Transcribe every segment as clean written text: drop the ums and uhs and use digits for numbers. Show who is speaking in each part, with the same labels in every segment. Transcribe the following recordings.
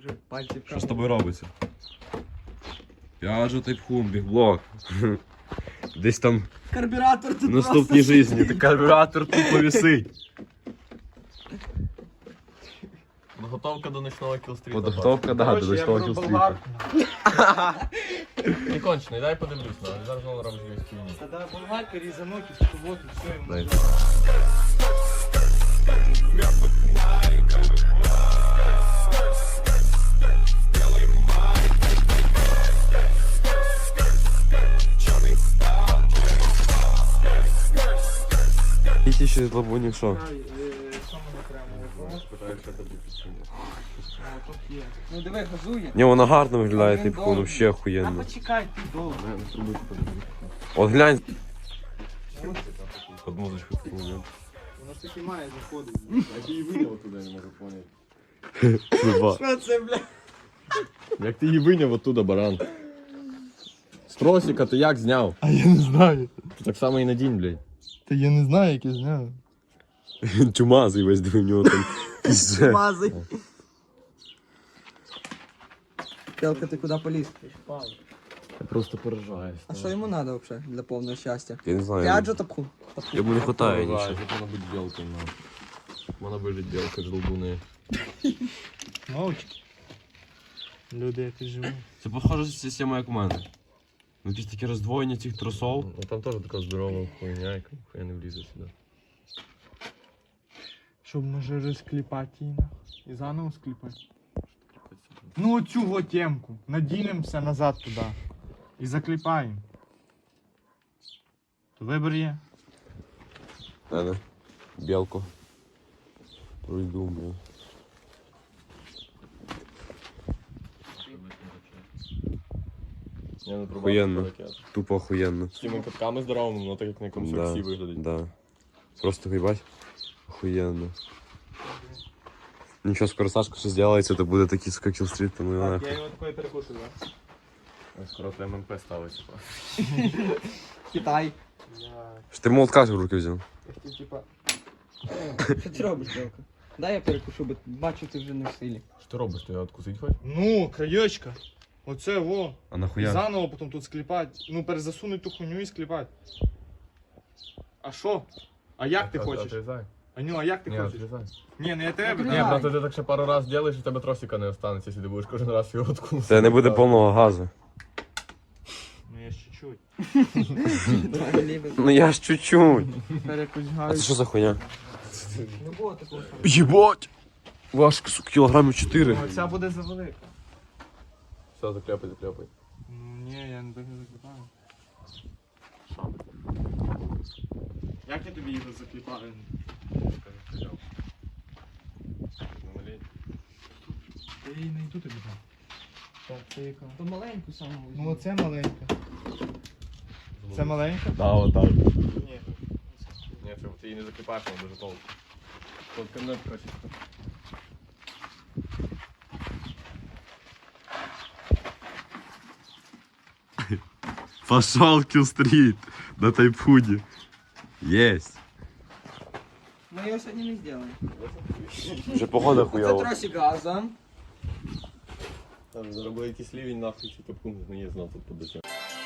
Speaker 1: вже пальці в
Speaker 2: Що з тобою робиться? Я же тайпхун, бігблок. Десь там
Speaker 1: Карбюратор
Speaker 2: в
Speaker 1: тут
Speaker 2: наступній житті карбюратор тупо висить.
Speaker 3: Подготовка до ночного кілстріта.
Speaker 2: Подготовка, да, до ночного кілстріта.
Speaker 3: Не кончений, дай подивлюсь, на. Зараз знову рамжу в стіні.
Speaker 1: Тогда болгарка, різанок і в суботу, все, йому.
Speaker 2: Дай. Які ще лабунів що?
Speaker 1: Що ми окремо? Тут є. Ну диви, газує.
Speaker 2: Ні, вона гарно виглядає,
Speaker 1: Він
Speaker 2: типу,
Speaker 1: довгий.
Speaker 2: вообще
Speaker 1: А
Speaker 2: охуєнно.
Speaker 1: почекай, ти довго.
Speaker 2: От глянь. Под музичку таку, ні?
Speaker 1: Воно ж таки має заходити.
Speaker 3: Як ти її виняв оттуда, я не можу поняти.
Speaker 2: Труба.
Speaker 1: Що це, бля?
Speaker 3: Як ти її виняв оттуда, баран? З тросика ти як зняв?
Speaker 4: А я не знаю.
Speaker 3: Так само і надінь, блядь.
Speaker 4: Та я не знаю, як я зняв.
Speaker 2: Чумазий весь диви, в нього там пізже.
Speaker 1: Мазай. Телка, ти куди поліз?
Speaker 3: Я просто поражаюсь.
Speaker 1: А що йому треба взагалі для повного щастя?
Speaker 2: Я не знаю.
Speaker 1: П'ять же тапку.
Speaker 2: Йому не хватає
Speaker 3: Поражаюсь,
Speaker 2: нічого.
Speaker 3: як вона бути білкою, на. Вона вилить білка з жолбуни.
Speaker 4: Мовчки. Люди якось живуть.
Speaker 2: Це похоже система, як у мене. Ну якісь такі роздвоєння цих тросов.
Speaker 3: Ну там теж така здорова хуйня, яка хуя не влізе сюди.
Speaker 4: Щоб може розкліпати її нахуй. І заново скліпати. Ну оцю го темку. Надінемося назад туди. І закліпаємо. То вибір є.
Speaker 2: Надо. Білку. Пройду.
Speaker 3: Я не пробував
Speaker 2: Охуєнно.
Speaker 3: таке.
Speaker 2: Тупо охуєнно.
Speaker 3: З цими катками здоровими, воно так як на якомусь
Speaker 2: Да,
Speaker 3: таксі виглядить.
Speaker 2: да. Просто їбать. Охуєнно. Нічого, скоро Сашка ще зробиться, то буде такий сука кілстріт, ну і
Speaker 4: Я
Speaker 2: нахуй.
Speaker 4: його такої перекушую, так?
Speaker 3: Ось скоро ММП ставиться.
Speaker 1: Китай.
Speaker 2: Що ти молотка ж в руки взяв?
Speaker 4: Типа.
Speaker 1: Що ти робиш, Телка? Дай я перекушу, бо бачу, ти вже не в силі.
Speaker 3: Що ти робиш? Ти його откусить хоч?
Speaker 4: Ну, краєчка. Оце во.
Speaker 2: А
Speaker 4: І
Speaker 2: нахуя?
Speaker 4: заново потім тут скліпати. Ну, перезасунуть ту хуйню і скліпати. А що? А як ти хочеш?
Speaker 3: Отрізай.
Speaker 4: Аню, а як ти
Speaker 3: Ні,
Speaker 4: хочеш?
Speaker 3: отрізай.
Speaker 4: Ні, не тебе.
Speaker 3: Ні,
Speaker 1: Давай.
Speaker 3: просто ти так ще пару раз зробиш, і в тебе тросика не останеться, якщо ти будеш кожен раз його откусити.
Speaker 2: Це не буде повного газу.
Speaker 4: Ну я ж чуть-чуть.
Speaker 2: Ну я ж чуть-чуть.
Speaker 4: Тепер якусь
Speaker 2: А
Speaker 4: гаю.
Speaker 2: це що за хуйня?
Speaker 1: Не було такого.
Speaker 2: Єбать! Важко, сука, кілограмів 4.
Speaker 4: Ну, ця буде завелика.
Speaker 3: Все, закляпай, закляпай.
Speaker 4: Ну ні, я не так не закліпаю. Як я тобі його закліпаю? Я її не йду тобі там. Так, це яка?
Speaker 1: То маленьку саму.
Speaker 4: Ну оце маленька. Це маленька?
Speaker 3: Да, отак.
Speaker 4: Ні.
Speaker 3: Ні, це ти її не закипаєш, вона дуже толку. Тут камнет качество.
Speaker 2: Пошел кілстріт на тайпхуді. Єсть.
Speaker 1: Мы ее сегодня не сделаем.
Speaker 2: Вже погода
Speaker 1: Это
Speaker 2: хуйова.
Speaker 1: тросик газом.
Speaker 3: Там заробили якийсь лівень, нахуй, чи капкун, не є знав тут подача.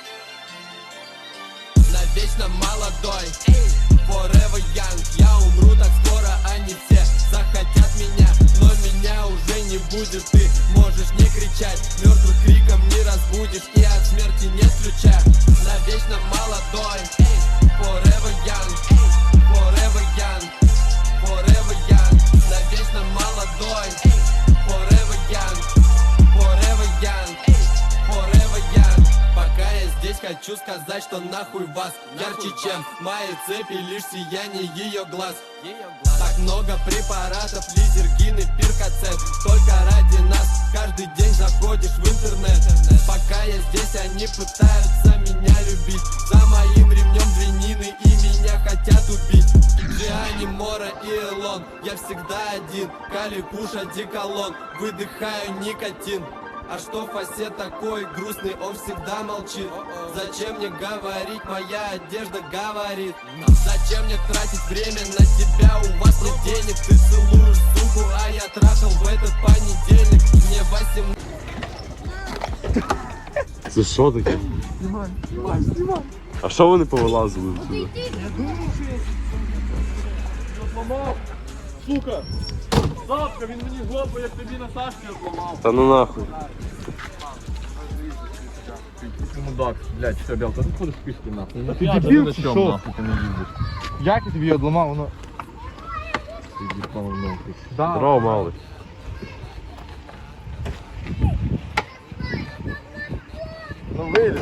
Speaker 5: Навечно молодой, forever young. Я умру так скоро, они все захотят меня, но меня уже не будет. Ты можешь не кричать, мертвых криком не разбудишь, и от смерти нет ключа. Навечно молодой, forever young, forever young, forever young. Навечно молодой, forever young, forever young, forever young. Пока я здесь, хочу сказать, что нахуй вас ярче, чем мои цепи, лишь сияние ее глаз. Так много препаратов, лизергин и пиркоцет. Только ради нас каждый день заходишь в интернет. Пока я здесь, они пытаются меня любить. За моим ремнем двинины и меня хотят убить. Джиани, Мора и Элон, я всегда один. Кали, Куш, одеколон, выдыхаю никотин. А что Фасе такой грустный, он всегда молчит. Зачем мне говорить, моя одежда говорит. Зачем мне тратить время на тебя, у вас нет денег. Ты целуешь суку, а я трахал в этот понедельник. Мне 18
Speaker 2: що таке? А що вони повилазили?
Speaker 4: Сука! Завтра він мені жопу, як тобі на Сашки зламав.
Speaker 2: Та ну нахуй.
Speaker 3: Мудак, блядь, все, Белка, ти ходиш пішки нахуй.
Speaker 4: Ти дебіл
Speaker 3: на
Speaker 4: чи
Speaker 3: чому,
Speaker 4: що?
Speaker 3: нахуй, ти не їздиш.
Speaker 4: Як я тобі його одламав, воно...
Speaker 3: Ти їбав нахуй.
Speaker 4: Да.
Speaker 2: Здорово, малий.
Speaker 4: Ну виліз.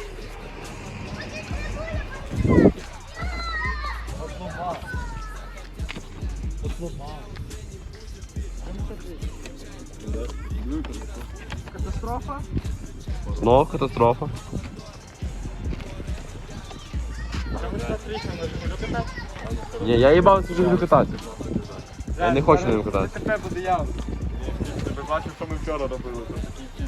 Speaker 4: Катастрофа?
Speaker 2: Ну, катастрофа. Ні, я їбався вже люблю кататися. Я не хочу на ньому кататися.
Speaker 4: ДТП буде явно. Ти бачив, що ми вчора робили, то такі